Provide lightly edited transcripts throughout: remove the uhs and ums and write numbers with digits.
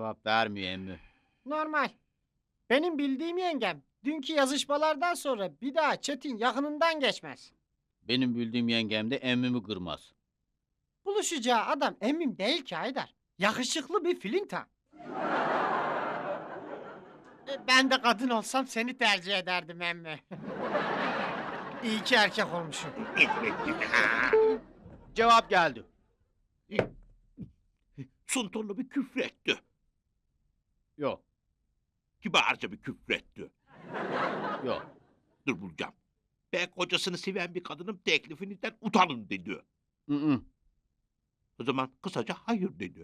Cevap vermiyor emmi. Normal. Benim bildiğim yengem dünkü yazışmalardan sonra bir daha Çetin yakınından geçmez. Benim bildiğim yengem de emmimi kırmaz. Buluşacağı adam emmim değil ki Haydar. Yakışıklı bir filinta. Ben de kadın olsam seni tercih ederdim emmi. İyi ki erkek olmuşum. Cevap geldi. Sunturlu bir küfretti. Yok, Kibarca bir küfretti. yok. Dur bulacağım. Ben kocasını seven bir kadının teklifinizden utanın dedi. Hı. O zaman kısaca hayır dedi.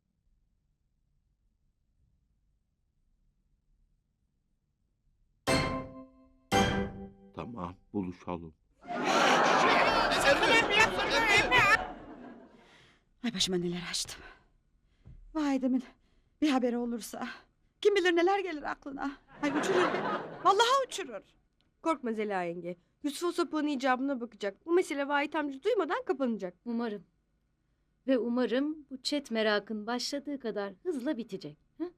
Tamam, buluşalım. Ay başıma neler açtım. Vay demin bir haberi olursa. Kim bilir neler gelir aklına. Ay uçurur beni. Vallahi uçurur. Korkma Zeliha yenge. Yusuf o sapığın icabına bakacak. Bu mesele Vahit amca duymadan kapanacak. Umarım. Ve umarım bu chat merakın başladığı kadar hızla bitecek. Hı?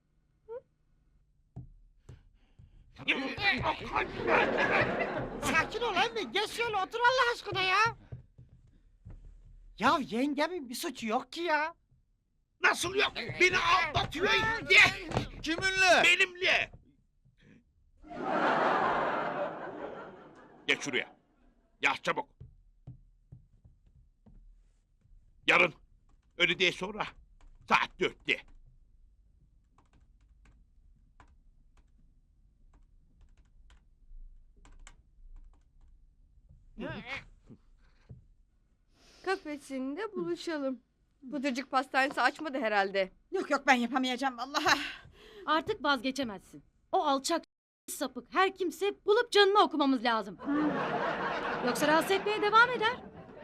Sakin ol emmi. Geç şöyle otur Allah aşkına ya. Ya yengemin bir suçu yok ki ya. Nasıl yok? Beni aldatıyor ye! Kiminle? Benimle! Geç şuraya. Yaz çabuk. Yarın, öğleden sonra, saat 4'te. Kafesinde buluşalım. Pıtırcık pastanesi açmadı herhalde. Yok yok ben yapamayacağım vallahi. Artık vazgeçemezsin. O alçak sapık her kimse bulup canını okumamız lazım. Yoksa rahatsız etmeye devam eder.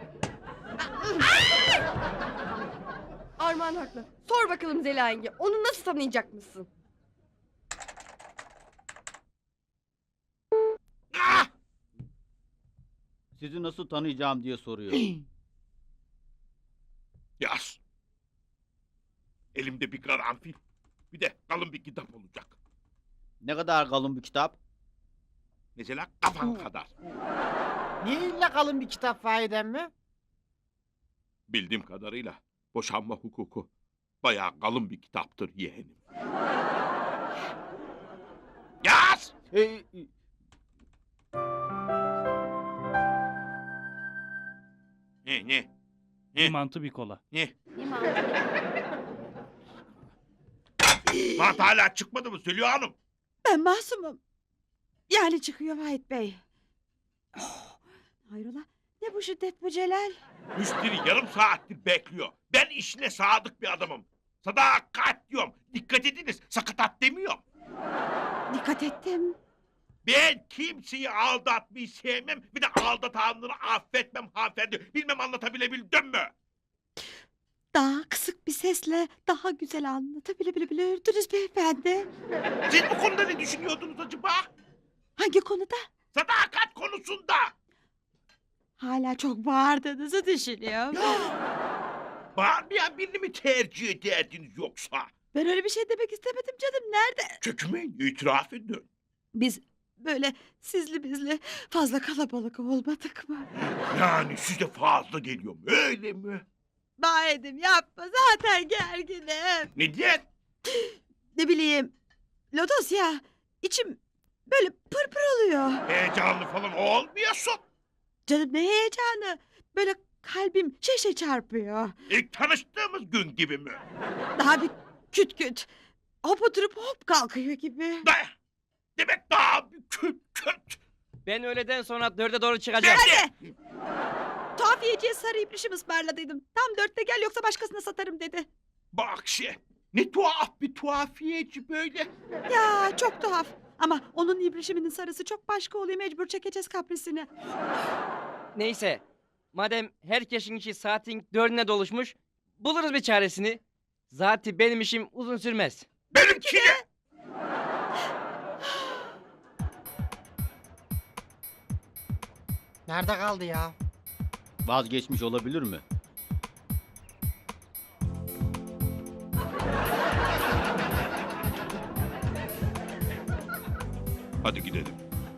Armağan haklı. Sor bakalım Zeliha yenge. Onu nasıl tanıyacak mısın? Ah! Sizi nasıl tanıyacağım diye soruyor. Yaz. Elimde bir karanfil, bir de kalın bir kitap olacak. Ne kadar kalın bir kitap? Mesela kafan kadar. Niye illa kalın bir kitap Vahit emmi? Bildiğim kadarıyla boşanma hukuku bayağı kalın bir kitaptır yeğenim. Yaz! Ee, Ne? Bir mantı bir kola. Ne? İmam. Mantı hala çıkmadı mı Zeliha Hanım? Ben masumum. Yani çıkıyor Vahit Bey. Oh, hayrola ne bu şiddet bu Celal? Müşteri yarım saattir bekliyor. Ben işine sadık bir adamım. Sadakat diyorum. Dikkat ediniz. Sakatat demiyorum. Dikkat ettim. Ben kimseyi aldatmayı sevmem. Bir de aldatanları affetmem hanımefendi. Bilmem anlatabilebildim mi? Daha kısık bir sesle daha güzel anlatabilirdiniz beyefendi. Siz bu konuda ne düşünüyordunuz acaba? Hangi konuda? Sadakat konusunda. Hala çok bağırdığınızı düşünüyorum. Bağırmayan birini mi tercih ederdiniz yoksa? Ben öyle bir şey demek istemedim canım. Nerede? Çökmeyin, itiraf edin. Biz böyle sizli bizli fazla kalabalık olmadık mı? Yani size fazla geliyor mu? Öyle mi? Bahedim yapma zaten gerginim. Neden? Ne bileyim. Lodos ya içim böyle pırpır oluyor. Heyecanlı falan olmuyorsun. Canım ne heyecanı. Böyle kalbim şeşe çarpıyor. İlk tanıştığımız gün gibi mi? Daha bir küt küt. Hop oturup hop kalkıyor gibi. Demek daha bir küt. Ben öğleden sonra 4'e doğru çıkacağım. Nerede? Tuhafiyeciye sarı ibrişim ısmarladıydım. Tam 4'te gel yoksa başkasına satarım dedi. Bak ne tuhaf bir tuhafiyeci böyle. Ya çok tuhaf. Ama onun ibrişiminin sarısı çok başka oluyor. Mecbur çekeceğiz kaprisini. Neyse. Madem herkesin işi saatin 4'üne doluşmuş, buluruz bir çaresini. Zaten benim işim uzun sürmez. Benimki de. Nerede kaldı ya? Vazgeçmiş olabilir mi? Hadi gidelim.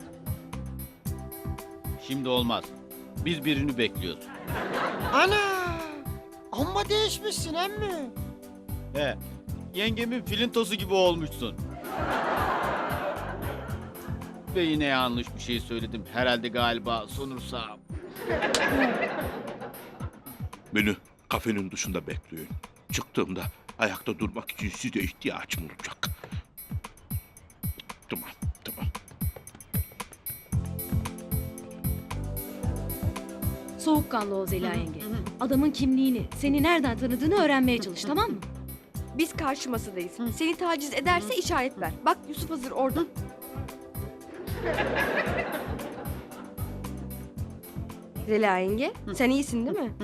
Şimdi olmaz. Biz birini bekliyoruz. Ana! Amma değişmişsin emmi. He. Yengemin filintosu gibi olmuşsun. Ve yine yanlış bir şey söyledim. Herhalde galiba sonursam. Beni kafenin dışında bekleyin. Çıktığımda ayakta durmak için size ihtiyacım olacak. Tamam, tamam. Soğukkanlı ol Zeliha yenge. Adamın kimliğini, seni nereden tanıdığını öğrenmeye çalış, tamam mı? Biz karşı masadayız. Seni taciz ederse işaret ver. Bak Yusuf hazır orada. Zeliha yenge, sen iyisin değil mi?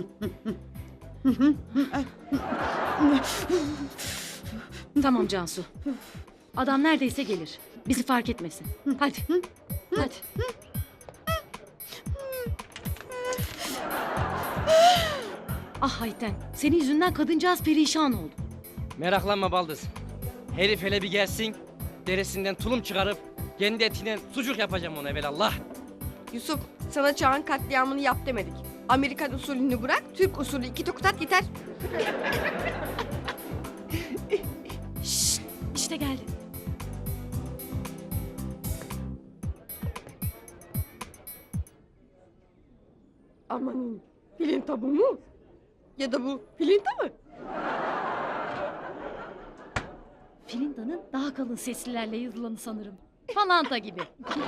Tamam Cansu. Adam neredeyse gelir. Bizi fark etmesin. Hadi. Hadi. Ah Ayten, senin yüzünden kadıncağız perişan oldu. Meraklanma Baldız. Herif hele bir gelsin, derisinden tulum çıkarıp kendi etinden sucuk yapacağım ona evelallah. Yusuf, sana çağın katliamını yap demedik. Amerikan usulünü bırak, Türk usulü 2 tokat yeter. Şşt, işte geldi. Amanın, filinta bu mu? Ya da bu filinta mı? Filinda'nın daha kalın seslilerle yazılanı sanırım. Falanta gibi.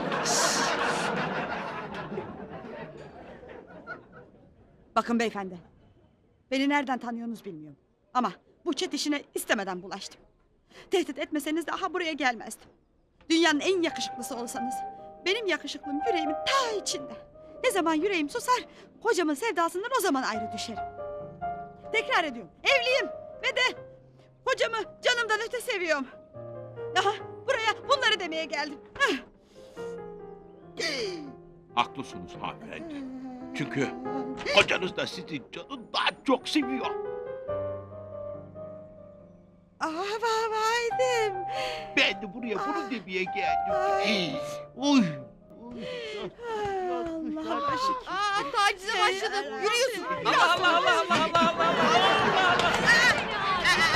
Bakın beyefendi. Beni nereden tanıyorsunuz bilmiyorum. Ama bu çet işine istemeden bulaştım. Tehdit etmeseniz de aha buraya gelmezdim. Dünyanın en yakışıklısı olsanız. Benim yakışıklığım yüreğimin ta içinde. Ne zaman yüreğim susar, kocamın sevdasından o zaman ayrı düşerim. Tekrar ediyorum, evliyim ve de kocamı canımdan öte seviyorum. Aha buraya bunları demeye geldim. Haklısınız hanımefendi. Çünkü kocanız da sizin canı daha çok seviyor. Vaydım. Ben de buraya bunu demeye geldim. Oy. Allah'a şükür. Tacize başladı. Yürüyorsun. Allah Allah Allah Allah Allah Allah Allah Allah.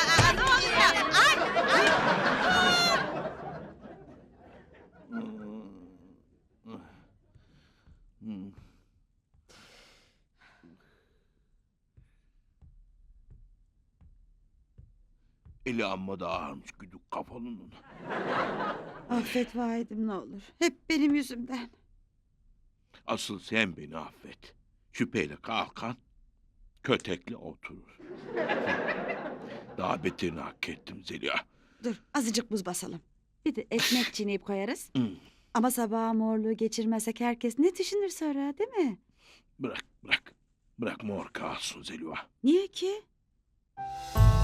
Eli amma da ağırmış güdük kafalının. Affet vaidim ne olur. Hep benim yüzümden. Asıl sen beni affet. Şüpheyle kalkan, kötekle oturur. Daha beterini hak ettim Zeliha. Dur azıcık buz basalım. Bir de ekmek çiğneyip koyarız. Hmm. Ama sabah morluğu geçirmezsek herkes ne düşünür sonra değil mi? Bırak, bırak. Bırak mor kalsın Zeliha. Niye ki?